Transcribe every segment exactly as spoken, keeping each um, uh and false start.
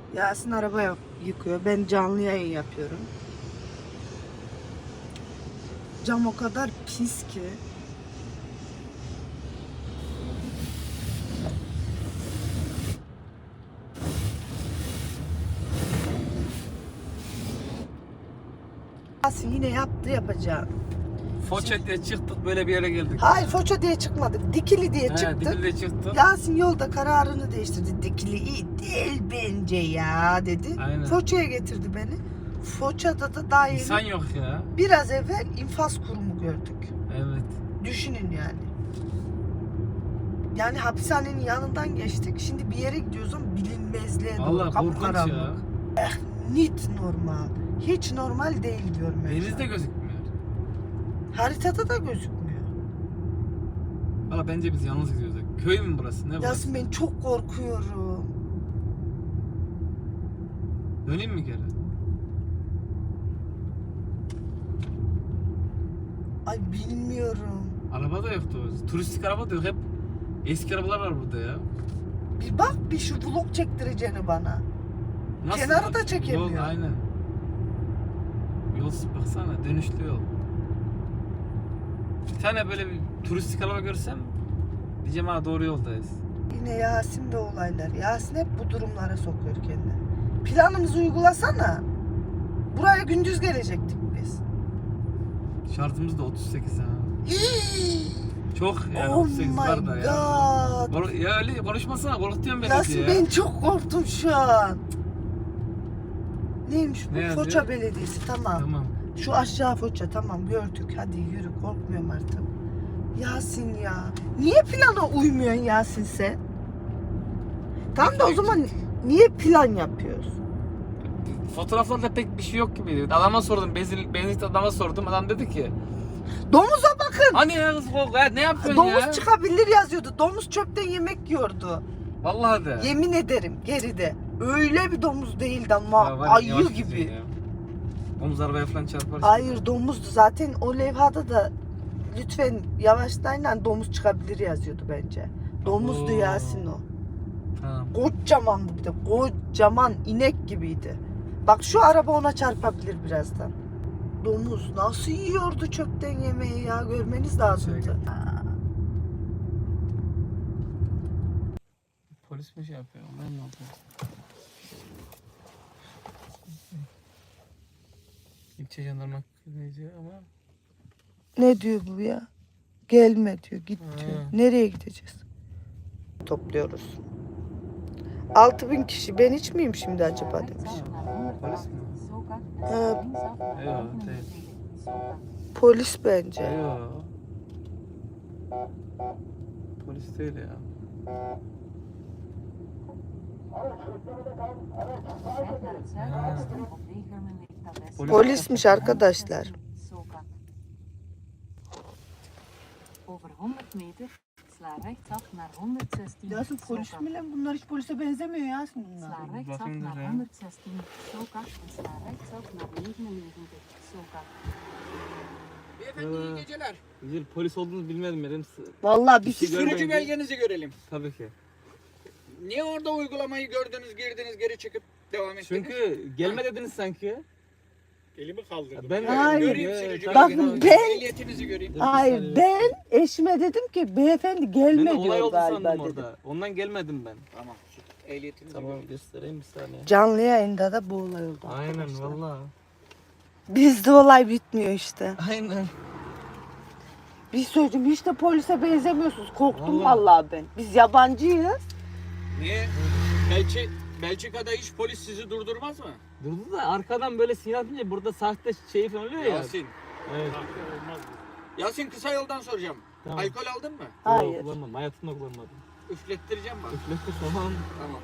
Yasin araba yap, yıkıyor. Ben canlı yayın yapıyorum. Cam o kadar pis ki. Yasin yine yaptı yapacağım. Foça diye çıktık, böyle bir yere geldik. Hayır Foça diye çıkmadık. Dikili diye He, çıktık. Dikili'de çıktık. Yasin yolda kararını değiştirdi. Dikili iyi değil bence ya dedi. Aynen. Foça'ya getirdi beni. Foça'da da daha yeni İnsan yok ya. biraz evvel infaz kurumu gördük. Evet. Düşünün yani. Yani hapishanenin yanından geçtik. Şimdi bir yere gidiyoruz ama bilinmezliğe doğru. Vallahi korkunç ya. Kapkaranlık. Nit normal. Hiç normal değil diyorum ben. Denizde gözükmüyor. Haritada da gözükmüyor. Valla bence biz yalnız gidiyoruz. Köy mü burası? Ne burası? Yasin ben çok korkuyorum. Döneyim mi geri? Ay bilmiyorum. Araba da yoktu. Turistik araba da yok. Hep eski arabalar var burada ya. Bir bak bir şu vlog çektireceğini bana. Kenarı da çekemiyor. Yol aynen. Yol baksana, dönüşlü yol. Bir tane böyle bir turistik araba görsem diyeceğim ha doğru yoldayız. Yine Yasin ve olaylar. Yasin hep bu durumlara sokuyor kendini. Planımızı uygulasana. Buraya gündüz gelecektik biz. Şartımız da otuz sekiz ha. Çok yani Oh otuz sekiz my var da ya. god. Kor- Ya öyle konuşmasana, korkutuyorsun beni Yasin ya. ben çok korktum şu an. Neymiş bu? Ne yazıyor? Foça Belediyesi tamam. Tamam. Şu aşağı Foça tamam gördük. Hadi yürü korkmuyorum artık. Yasin ya. Niye plana uymuyorsun Yasin sen? Tam da o zaman niye plan yapıyoruz? Fotoğraflarda pek bir şey yok gibiydi. Adama sordum, benzin, benzinlikte adama sordum. Adam dedi ki Domuza bakın. hani ya kız korku, ya ne yapıyorsun Domuz ya? çıkabilir yazıyordu. Domuz çöpten yemek yiyordu. Vallahi de. Yemin ederim geride. Öyle bir domuz değildi ama Ya var ya, ayı yavaş gibi. gidiyor ya. Omuz arabaya falan çarpar. Hayır domuzdu. Zaten o levhada da lütfen yavaşlayın domuz çıkabilir yazıyordu bence. Domuzdu Oo. Yasin o. Tamam. Kocamandı bir de. Kocaman inek gibiydi. Bak şu araba ona çarpabilir birazdan. Domuz nasıl yiyordu çöpten yemeği ya görmeniz lazımdı. Şey- Polis mi şey yapıyor? Ben ne yapıyorum? İlçe jandarma diyor ama Ne diyor bu ya? Gelme diyor, git diyor. Ha. Nereye gideceğiz? Topluyoruz. altı bin kişi. Ben hiç miyim şimdi acaba demiş. polis mi? Ha, Yok değil. polis bence. Yok. Polis değil ya. Polis- Polismiş arkadaşlar. Over honderd meter sla rechtsaf naar honderdzestien. Yasin polis mi lan? Bunlar hiç polise benzemiyor Yasin bunlar. Sla rechtsaf Bakayım naar er, honderdzestien Soka en sla rechtsaf naar negenennegentig Soka. Beyefendi iyi Ha. geceler. Güzel polis olduğunu bilmedim dedim. Vallahi bir şey Sürücü görmedim. belgenizi görelim. Tabii ki. Niye orada uygulamayı gördünüz, girdiniz, geri çıkıp devam ettiniz? Çünkü gelme dediniz sanki. elimi kaldırdım. Ben Hayır. Göreyim Evet, sürücü tabii Bakın ki. belgenizi. ben- Ehliyetinizi göreyim. Hayır ben eşime dedim ki beyefendi Ben gelme de olay diyor oldu galiba sandım dedim. orada. Ondan gelmedim ben. Tamam. Ehliyetinizi Tamam göreyim. göstereyim bir saniye. Canlı yayında da bu olay oldu. Aynen arkadaşlar. vallahi. Bizde olay bitmiyor işte. Aynen. Bir söyleyeyim hiç de polise benzemiyorsunuz. Korktum Vallahi. vallahi ben. Biz yabancıyız. Niye? Belçi, Belçika'da hiç polis sizi durdurmaz mı? Durdu da arkadan böyle sinyal atınca burada sahte şey falan oluyor ya. Yasin. Evet. Yasin kısa yoldan soracağım. Tamam. Alkol aldın mı? Hayır. Yok, kullanmadım. Hayatımda kullanmadım. Üflettireceğim bak. Üfletti tamam. Tamam.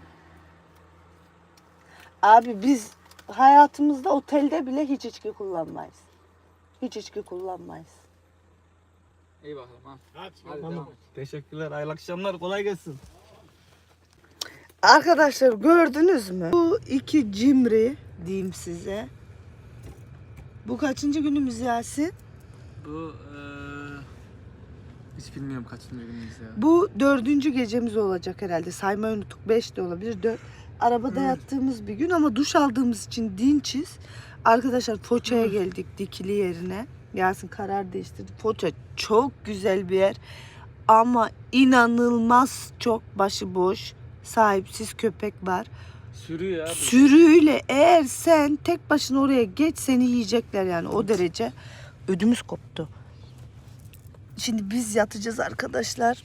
Abi biz hayatımızda otelde bile hiç içki kullanmayız. Hiç içki kullanmayız. İyi bakalım ha. Hadi, Hadi Tamam. devam et. Teşekkürler. Hayırlı akşamlar. Kolay gelsin. Arkadaşlar gördünüz mü? Bu iki cimri diyeyim size. Bu kaçıncı günümüz Yasin? Bu eee hiç bilmiyorum kaçıncı günümüz ya. Bu dördüncü gecemiz olacak herhalde. Saymayı unuttuk. Beş de olabilir. Dört. arabada yattığımız bir gün ama duş aldığımız için dinçiz. Arkadaşlar Foça'ya geldik, Dikili yerine. Yasin karar değiştirdi. Foça çok güzel bir yer ama inanılmaz çok başıboş, sahipsiz köpek var. Sürüyor abi. Sürüyle eğer sen tek başına oraya geç seni yiyecekler yani o derece. Ödümüz koptu. Şimdi biz yatacağız arkadaşlar.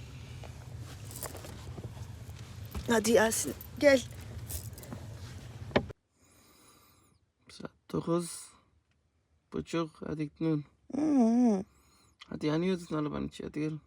Hadi Yasin gel. Saat dokuz buçuk. Hadi gidelim. Hmm. Hadi yanıyorsun arabanın içi. Hadi gel.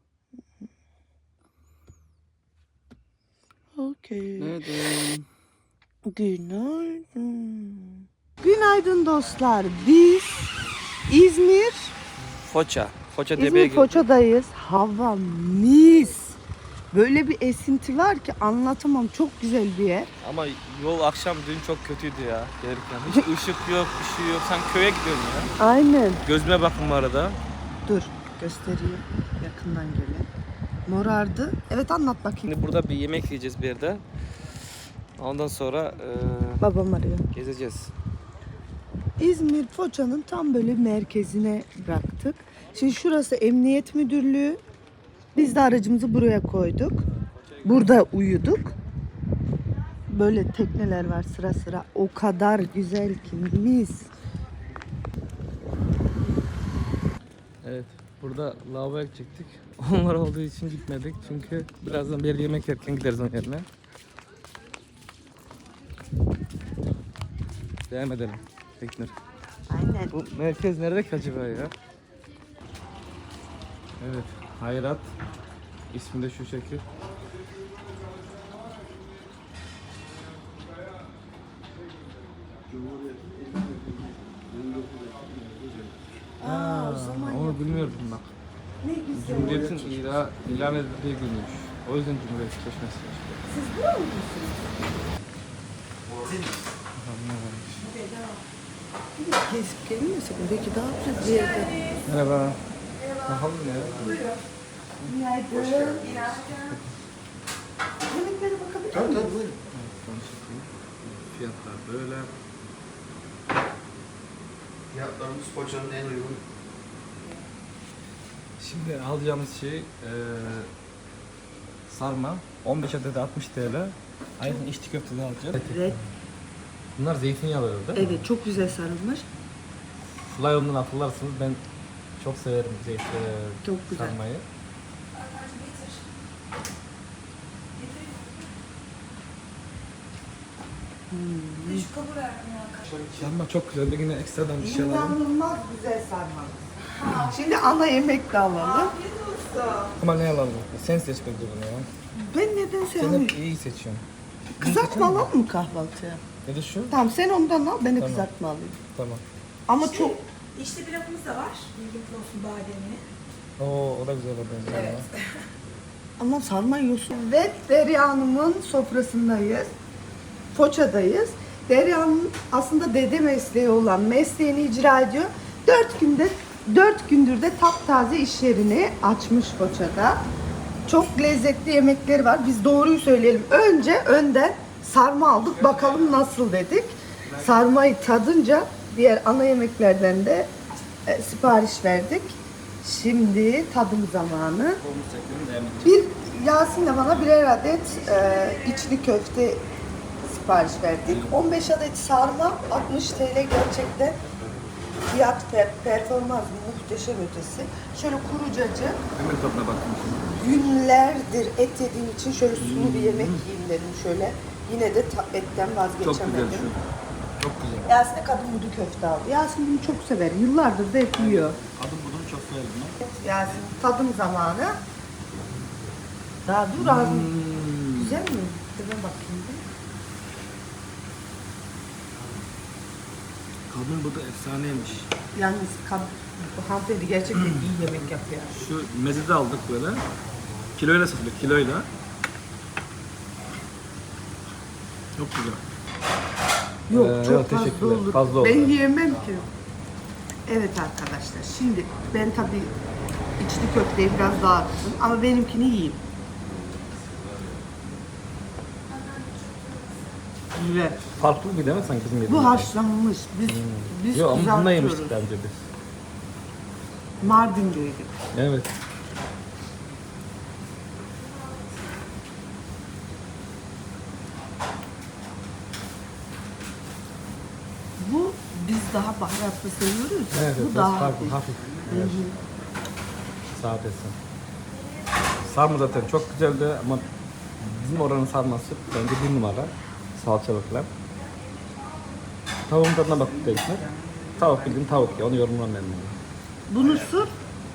Okey. Neden? Günaydın. Günaydın dostlar. Biz İzmir, Foça. Foça Debe'ye İzmir girdik. Foça'dayız. Hava mis. Böyle bir esinti var ki anlatamam. Çok güzel bir yer. Ama yol akşam dün çok kötüydü ya gelirken. Hiç ışık yok, bir şey yok. Sen köye gidiyorsun ya. Aynen. Gözüme bakın bu arada. Dur göstereyim yakından gele. Morardı. Evet anlat bakayım. Şimdi burada bir yemek yiyeceğiz bir yerde. Ondan sonra e, Babam arıyor. gezeceğiz. İzmir Foça'nın tam böyle merkezine bıraktık. Şimdi şurası Emniyet Müdürlüğü. Biz de aracımızı buraya koyduk. Burada uyuduk. Böyle tekneler var sıra sıra. O kadar güzel ki mis. Evet, burada lavaboya gidecektik. Onlar olduğu için gitmedik. Çünkü birazdan bir yere yemek yerken gideriz onun yerine. Devam edelim. Teknir. Aynen. Bu merkez nerede ki acaba ya? Evet, Hayrat. İsmi de şu şekil. Aa, o zaman Onu bilmiyordum bak. ne güzel. Cumhuriyet'in ila, ilan edildiği günmüş. O yüzden Cumhuriyet Çeşmesi işte. Siz burada mısınız? Gezip gelmiyorsak belki daha güzel bir yerde. Merhaba. Bakalım ya. Günaydın. Yemeklere bakabilir miyim? Tabii tabii. Fiyatlar böyle. Fiyatlarımız Foça'nın en uygun. Şimdi alacağımız şey eee sarma. on beş adet altmış TL. Ayrıca içli köfte de alacağız. Evet. Bunlar zeytinyağlı değil mi? Evet çok güzel sarılmış. Flyon'dan hatırlarsınız ben çok severim zeytin Çok güzel. sarmayı. Sarma çok güzel. Bir yine ekstradan bir şey alalım. İnanılmaz güzel sarma. Şimdi ana yemek de alalım. Ama ne alalım? Sen seç bence bunu ya. Ben neden sen Sen hep iyi seçiyorsun. kızartma alalım mı kahvaltıya? Ne de şu? Tamam sen ondan al ben de Tamam. kızartma alayım. Tamam. Ama çok İşte pilavımız da var. Bilginiz olsun bademli. Oo, o da güzel olur bence. Evet. ya. ama sarma yiyorsun. Ve Derya Hanım'ın sofrasındayız. Foça'dayız. Derya Hanım aslında dede mesleği olan mesleğini icra ediyor. Dört günde dört gündür de taptaze iş yerini açmış Foça'da. Çok lezzetli yemekleri var. Biz doğruyu söyleyelim. Önce önden sarma aldık. Bakalım nasıl dedik. Sarmayı tadınca diğer ana yemeklerden de e, sipariş verdik. Şimdi tadım zamanı. Bir Yasin'le bana birer adet e, içli köfte sipariş verdik. on beş adet sarma, altmış TL gerçekten fiyat per- performans muhteşem ötesi. Şöyle kurucacı. Hemen tadına bakayım şimdi. Günlerdir et yediğim için şöyle sulu bir yemek yiyeyim dedim şöyle. Yine de ta- etten Çok vazgeçemedim. güzel şu. Çok güzel. Yasin'e kadın budu köfte aldı. Yasin bunu çok sever. Yıllardır da hep yiyor. Adım budum çok severim ben. Yasin tadım zamanı. Daha dur ağzım. Güzel mi? Dur ben bakayım bir. Kadın budu efsaneymiş. Yalnız kad- bu hanımefendi gerçekten iyi yemek yapıyor. Şu mezede aldık böyle. Kiloyla satılıyor, kiloyla. Çok güzel. Yok Ee, çok yok, fazla teşekkürler. olur. Fazla olur. Ben yiyemem ki. Evet arkadaşlar şimdi ben tabii içli köfteyi biraz dağıttım ama benimkini yiyeyim. Güzel. Farklı bir değil mi sanki bizim Bu yediğimiz? haşlanmış. Biz, biz Yok ama bununla kızartıyoruz. yemiştik daha önce biz. Mardin'deydik. Evet. Bu biz daha baharatlı seviyoruz. Evet, Bu evet daha biraz farklı, hafif. hafif. Evet. Saat etsin. Sarma zaten çok güzeldi ama bizim oranın sarması bence bir numara. Salçalı falan. Tavuğun tadına bakıp gençler. Tavuk bildiğin tavuk ya, onu yorumlamam ben. Yani. Bunu sırf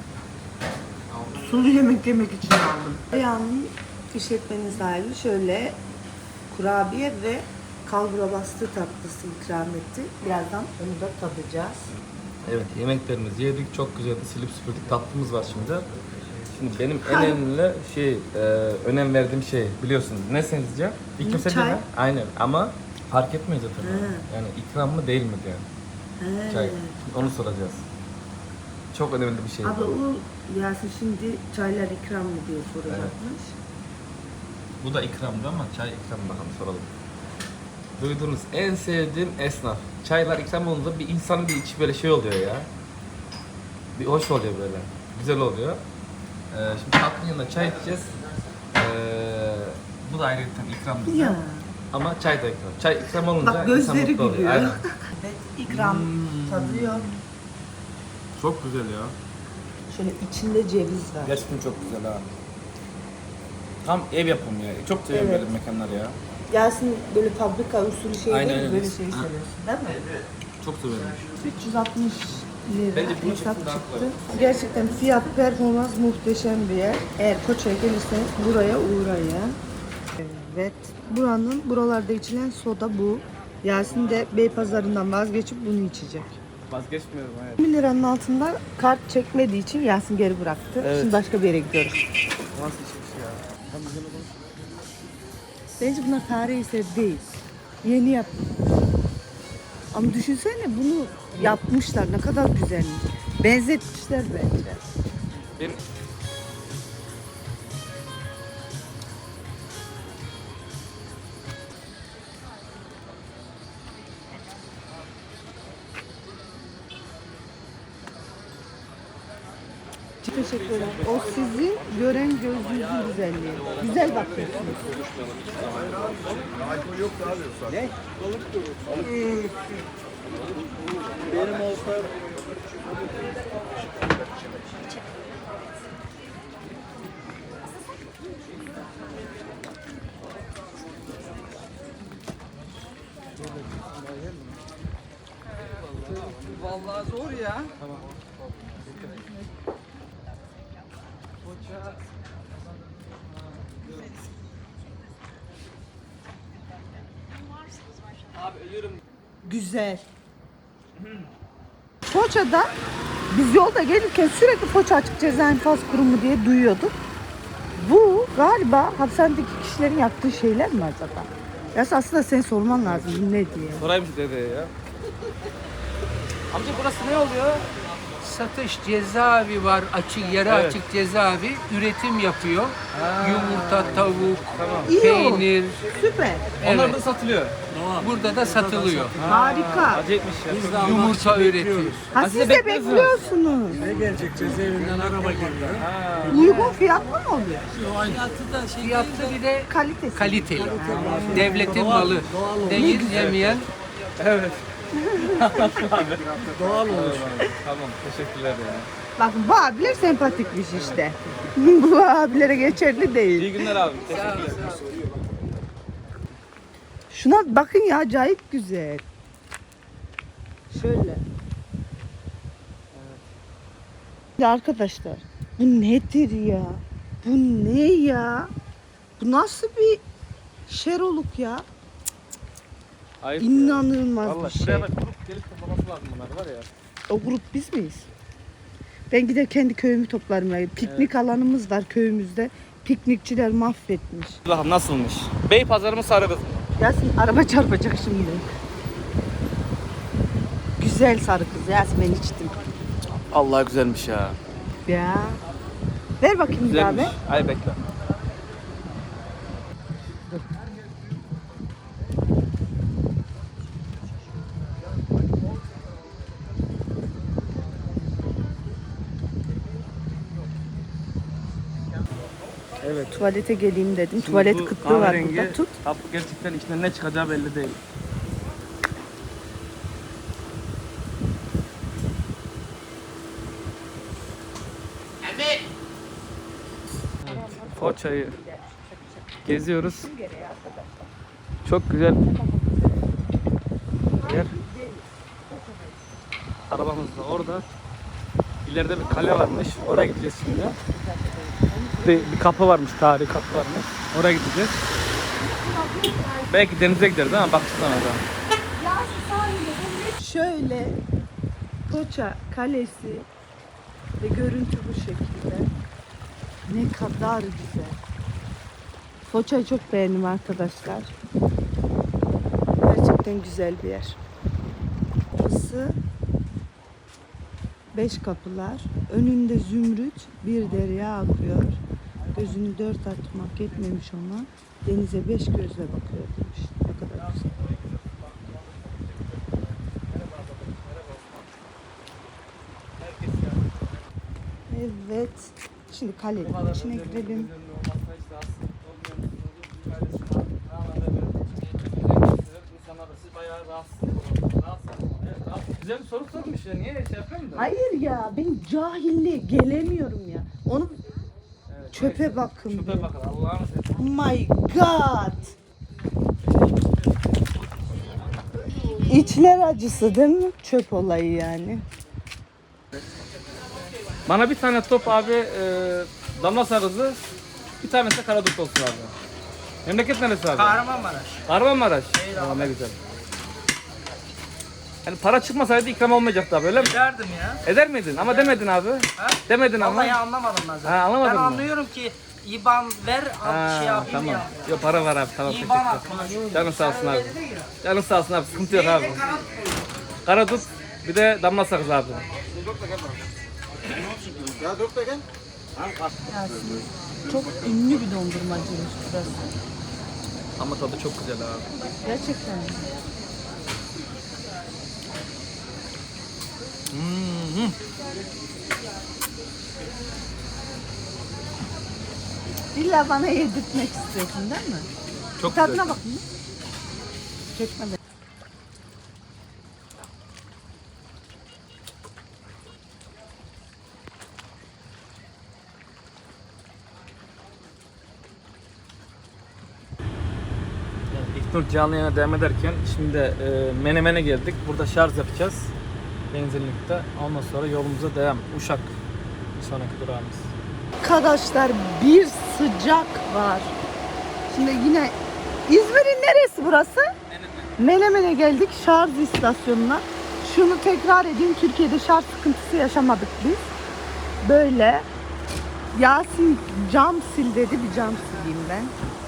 sulu yemek yemek için aldım. Reyhan'ın işletmenin sahibi şöyle kurabiye ve kalbura bastı tatlısı ikram etti. Birazdan onu da tadacağız. Evet, yemeklerimizi yedik, çok güzeldi, silip süpürdük, tatlımız var şimdi. Şimdi benim en Ha. önemli şey, e, önem verdiğim şey biliyorsunuz ne sizce? İlk kimse Çay. değil mi? Aynen ama fark etmiyor zaten. He. Yani ikram mı değil mi diye. He. Çay. Onu soracağız. Çok önemli bir şey. Abla bu. o Yasin şimdi çaylar ikram mı diye soracakmış. Bu da ikramdı ama çay ikram bakalım soralım. Duyduğunuz en sevdiğim esnaf. Çaylar ikram olunca bir insanın bir içi böyle şey oluyor ya. Bir hoş oluyor böyle. Güzel oluyor. Ee, şimdi tatlının yanında çay içeceğiz. Ee, bu da ayrıca ikram bize. Ya. Ama çay da ikram. Çay ikram olunca Bak insan gözleri mutlu oluyor. gülüyor. Aynen. Evet ikram tadıyor. Çok güzel ya. Şöyle içinde ceviz var. Gerçekten çok güzel ha. Tam ev yapımı ya. Çok seviyorum Evet. böyle mekanlar ya. Yasin böyle fabrika usulü şey Aynen, değil mi? aynen. Böyle şeyi seviyorsun değil mi? Çok seviyorum. üç yüz altmış lira Bence bunun hesap çok daha çıktı. Gerçekten fiyat performans muhteşem bir yer. Eğer Koç'a gelirseniz buraya uğrayın. Evet. Buranın buralarda içilen soda bu. Yasin de Beypazarı'ndan vazgeçip bunu içecek. Vazgeçmiyorum evet. yirmi liranın altında kart çekmediği için Yasin geri bıraktı. Evet. Şimdi başka bir yere gidiyoruz. Nasıl içmiş ya? Tam güzel olur. Bence bunlar tarihi eser değil. Yeni yap. Ama düşünsene bunu yapmışlar. Ne kadar güzelmiş. Benzetmişler bence. Benim Teşekkürler. O sizin gören gözünüzün güzelliği. Güzel bakıyorsunuz. Vallahi zor ya. Güzel. Foça'da biz yolda gelirken sürekli Foça Açık Ceza İnfaz Kurumu diye duyuyorduk. Bu galiba hapishanedeki kişilerin yaptığı şeyler mi acaba? Ya aslında sen sorman lazım bu ne diye. sorayım şu dedeye ya. Amca burası ne oluyor? Satış cezaevi var, açık yarı Evet. açık cezaevi üretim yapıyor. Yumurta, tavuk, İyi o. peynir. Süper. Onlar Evet. da satılıyor. Burada da satılıyor. Harika. Acayipmiş ya. Yumurta üretiyoruz. Ha Ha, siz siz de de bekliyorsunuz. bekliyorsunuz. Ne gelecek cezaevinden araba geliyor. Uygun fiyatlı mı oluyor? Fiyatlı bir de Kalitesi. kaliteli. Devletin malı. Değil yemeyen. Evet. Doğal olur. Tamam teşekkürler ya. Bakın bu abiler sempatikmiş işte. Bu abilere geçerli değil. İyi günler abi. Teşekkürler. Şuna bakın ya acayip güzel. Şöyle. Ya arkadaşlar bu nedir ya? Bu ne ya? Bu nasıl bir şeroluk ya? Ayıp İnanılmaz Vallahi bir şey. şuraya bak grup gelip toplaması lazım bunlar var ya. O grup biz miyiz? Ben gider kendi köyümü toplarım ya. Piknik alanımız var köyümüzde. Piknikçiler mahvetmiş. Bakalım nasılmış? Beypazarı mı Sarıkız mı? Yasin araba çarpacak şimdi. Güzel sarı kız Yasin ben içtim. Allah güzelmiş ya. Ya. Ver bakayım bir daha Güzelmiş. be. Ay bekle. Evet. Tuvalete geleyim dedim. Şimdi Tuvalet bu kıtlığı var kahverengi burada. Tut. Kapı gerçekten içinden ne çıkacağı belli değil. Evet, Foça'yı geziyoruz. Çok güzel yer. Arabamız da orada. İleride bir kale varmış. Oraya gideceğiz şimdi. Bir, bir kapı varmış, tarihi kapı varmış. Oraya gideceğiz. Belki denize gideriz ama bakıştan orada. Şöyle Foça Kalesi ve görüntü bu şekilde. Ne kadar güzel. Foça'yı çok beğendim arkadaşlar. Gerçekten güzel bir yer. Burası Beş Kapılar. Önünde zümrüt bir derya akıyor. Gözünü dört açmak yetmemiş ona. Denize beş gözle bakıyor demiş. Ne kadar güzel. Evet. Şimdi kalenin içine girelim. Güzel bir soru sormuş ya. Niye şey yapıyorsun da? Hayır ya, ben cahilliğe gelemiyorum ya. Onu çöpe bakın. Çöpe diyor. bakın Allah'ını seversen. Oh my god. İçler acısı değil mi? Çöp olayı yani. Bana bir tane top abi e, damla sarısı, bir tanesi de karadut olsun abi. Memleket neresi abi? Kahramanmaraş. Kahramanmaraş. Aa, ne güzel. Yani para çıkmasaydı ikram olmayacaktı abi öyle mi? Derdim ya. Eder miydin? Ama demedin abi. Ha? Demedin ama. Vallahi anlamadım ben zaten. Ha, anlamadın ben mı? anlıyorum ki İban ver al Ha, şey yapayım tamam. ya. Yok para var abi tamam. İban at teşekkür bana. ederim. Canın sağ olsun abi. Canın sağ olsun abi sıkıntı yok abi. Karadut bir de damla sakız abi. Çok ünlü bir dondurmacıymış burası. Ama tadı çok güzel abi. Gerçekten. Hmm. İlla bana yedirtmek istiyorsun değil mi? Çok Tadına güzel. bakın. Çekme be. İlknur canlı yayına devam ederken şimdi de e, Menemen'e geldik. Burada şarj yapacağız. Benzinlikte. Ondan sonra yolumuza devam. Uşak. Bir sonraki durağımız. Arkadaşlar bir sıcak var. Şimdi yine İzmir'in neresi burası? Menemen'e geldik şarj istasyonuna. Şunu tekrar edeyim, Türkiye'de şarj sıkıntısı yaşamadık biz. Böyle Yasin cam sil dedi, bir cam sileyim ben.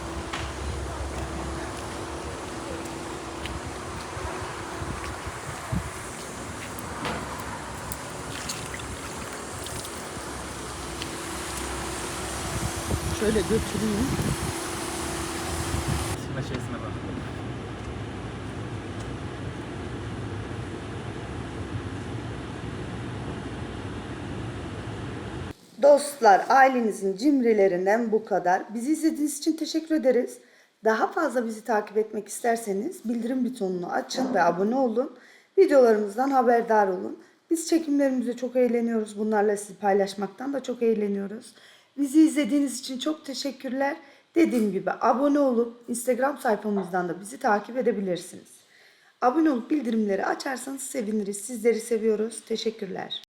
Şöyle götüreyim. Şimdi şeysine bak. Dostlar, ailenizin cimrilerinden bu kadar. Bizi izlediğiniz için teşekkür ederiz. Daha fazla bizi takip etmek isterseniz bildirim butonunu açın ve abone olun. Videolarımızdan haberdar olun. Biz çekimlerimizde çok eğleniyoruz. Bunlarla sizi paylaşmaktan da çok eğleniyoruz. Bizi izlediğiniz için çok teşekkürler. Dediğim gibi abone olup Instagram sayfamızdan da bizi takip edebilirsiniz. Abone olup bildirimleri açarsanız seviniriz. Sizleri seviyoruz. Teşekkürler.